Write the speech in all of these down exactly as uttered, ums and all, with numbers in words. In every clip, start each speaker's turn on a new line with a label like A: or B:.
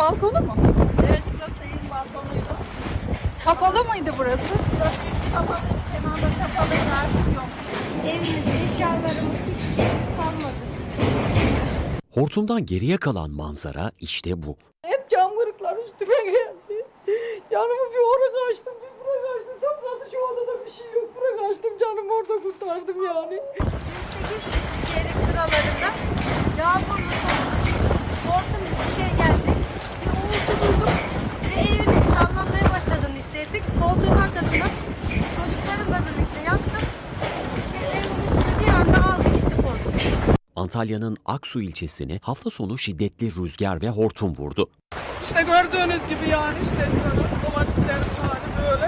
A: balkonu mu?
B: Evet, burası evin balkonuydu.
A: Kapalı mıydı burası?
B: Burası üstü kapalıydı, kenarları kapalıydı, artık yok. Evimiz, eşyalarımız, hiçbir şeyimiz kalmadı.
C: Hortumdan geriye kalan manzara işte bu.
A: Hep cam kırıklar üstüme geldi. Canımı bir oraya kaçtım, bir buraya kaçtım. Sonra şu odada bir şey yok. Buraya kaçtım, canımı orada kurtardım yani.
B: yirmi sekiz çeyrek sıralarında yağmurlu sonunda bir hortum gibi bir şey geldi. Bir uğultu duyduk ve evin sallanmaya başladığını hissettik. Koltuğun arkasına çocuklarımla birlikte yattım ve evin üstüne bir anda aldı gitti hortum.
C: Antalya'nın Aksu ilçesini hafta sonu şiddetli rüzgar ve hortum vurdu.
D: İşte gördüğünüz gibi yani işte domateslerim yani böyle.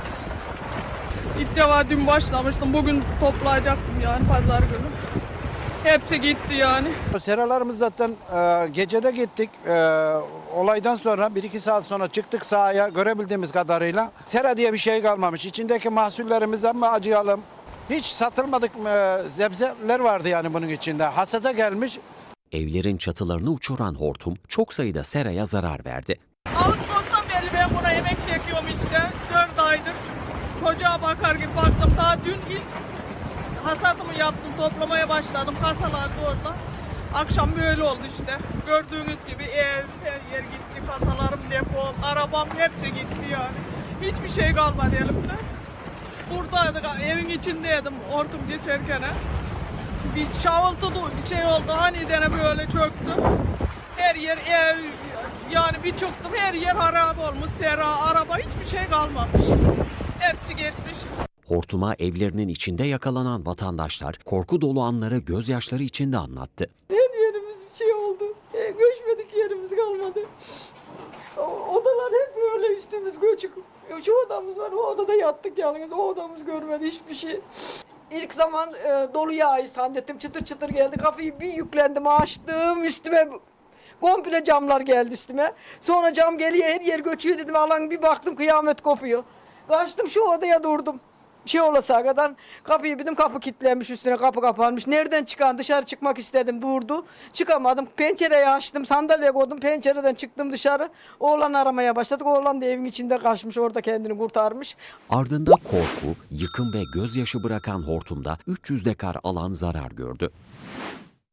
D: İlk defa dün başlamıştım. Bugün toplayacaktım yani pazar günü. Hepsi gitti yani.
E: Seralarımız zaten e, gecede gittik. E, olaydan sonra bir iki saat sonra çıktık sahaya görebildiğimiz kadarıyla. Sera diye bir şey kalmamış. İçindeki mahsullerimiz ama acıyalım. Hiç satılmadık e, zebzeler vardı yani bunun içinde. Hasata gelmiş.
C: Evlerin çatılarını uçuran hortum çok sayıda seraya zarar verdi.
D: Ağustos'tan beri ben buna yemek çekiyorum işte. Dört aydır. Çocuğa bakar gibi baktım. Daha dün ilk hasatımı yaptım. Toplamaya başladım. Kasalar da orada. Akşam böyle oldu işte. Gördüğünüz gibi ev, her yer gitti. Kasalarım, depom, arabam hepsi gitti yani. Hiçbir şey kalmadı elimde. Buradaydık, evin içindeydim hortum geçerken. Bir şavultu bir şey oldu, aniden böyle çöktü. Her yer ev, yani bir çıktım her yer harap olmuş, sera, araba hiçbir şey kalmamış. Hepsi gitmiş.
C: Hortuma evlerinin içinde yakalanan vatandaşlar korku dolu anları gözyaşları içinde anlattı.
A: Her yerimiz bir şey oldu. E, göçmedik yerimiz kalmadı. O, odalar hep böyle üstümüz göçük. Şu odamız var, o odada yattık yalnız. O odamız görmedi hiçbir şey. İlk zaman e, dolu yağ zannettim. Çıtır çıtır geldi. Kafayı bir yüklendim, açtım. Üstüme komple camlar geldi üstüme. Sonra cam geliyor, her yer göçüyor dedim. Alan bir baktım, kıyamet kopuyor. Kaçtım şu odaya durdum. Bir şey olasa kadar kapıyı bildim, kapı kilitlenmiş, üstüne kapı kapanmış. Nereden çıkan, dışarı çıkmak istedim, durdu. Çıkamadım, pencereyi açtım, sandalye koydum, pencereden çıktım dışarı. Oğlan aramaya başladık. Oğlan da evin içinde kaçmış, orada kendini kurtarmış.
C: Ardında korku, yıkım ve gözyaşı bırakan hortumda üç yüz dekar alan zarar gördü.